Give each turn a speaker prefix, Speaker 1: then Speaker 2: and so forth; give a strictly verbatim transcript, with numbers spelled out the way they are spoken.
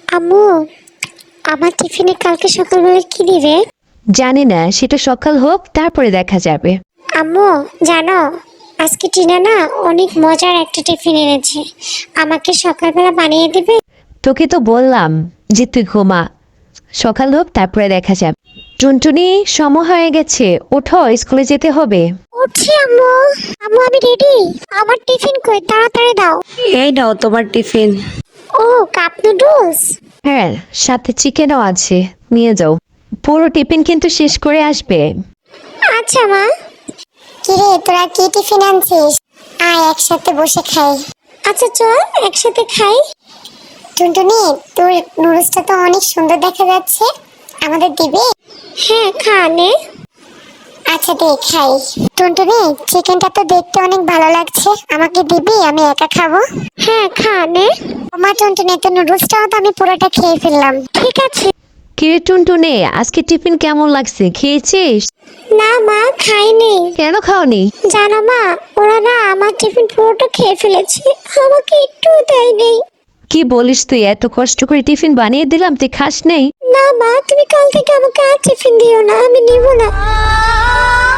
Speaker 1: আম্মু, আমার টিফিনে কালকে সকালবেলা কি দিবে?
Speaker 2: জানি না, সেটা সকাল হোক তারপরে দেখা যাবে।
Speaker 1: আম্মু জানো, আজকে টিনা না অনেক মজার একটা টিফিন এনেছে, আমাকে সকালবেলা বানিয়ে দিবে?
Speaker 2: তোকে তো বললাম যে তুই ঘুমা, সকাল হোক তারপরে দেখা যাবে। টুনটুনি, সময় হয়ে গেছে, ওঠো, স্কুলে যেতে হবে।
Speaker 1: উঠছি আম্মু। আম্মু আমি রেডি, আমার টিফিন কই, তাড়াতাড়ি দাও।
Speaker 3: এই নাও তোমার টিফিন।
Speaker 1: ও, কাপ নুডলস।
Speaker 2: হ্যাঁ, সাথে চিকেনও আছে, নিয়ে যাও। পুরো টিফিন কিন্তু শেষ করে আসবে।
Speaker 1: আচ্ছা মা। কিরে, তোরা কি টিফিন আনছিস? আয় একসাথে বসে খাই। আচ্ছা চল একসাথে খাই। টুনটুনি, তোর নুডলসটা তো অনেক সুন্দর দেখা যাচ্ছে, আমাদের দিবে? হ্যাঁ খা নে। আচ্ছা দে খাই। টুনটুনি, চিকেনটা তো দেখতে অনেক ভালো লাগছে, আমাকে দিবি? আমি একা খাবো। হ্যাঁ খা নে। মা টুনটুনি, তো নুডলসটাও তো আমি পুরোটা খেয়ে ফেললাম। ঠিক আছে।
Speaker 2: কিরে টুনটুনি, আজকে টিফিন কেমন লাগছে, খেয়েছিস?
Speaker 1: না মা, খাইনি।
Speaker 2: কেন খাওনি?
Speaker 1: জানো মা, ওরা না আমার টিফিন পুরোটা খেয়ে ফেলেছে, আমাকে একটু দেয়নি।
Speaker 2: কি বলিস তুই? এত কষ্ট করে টিফিন বানিয়ে দিলাম, তুই খাস নেই?
Speaker 1: না মা, তুমি কাল থেকে আমাকে আর টিফিন দিও না, আমি নিব না।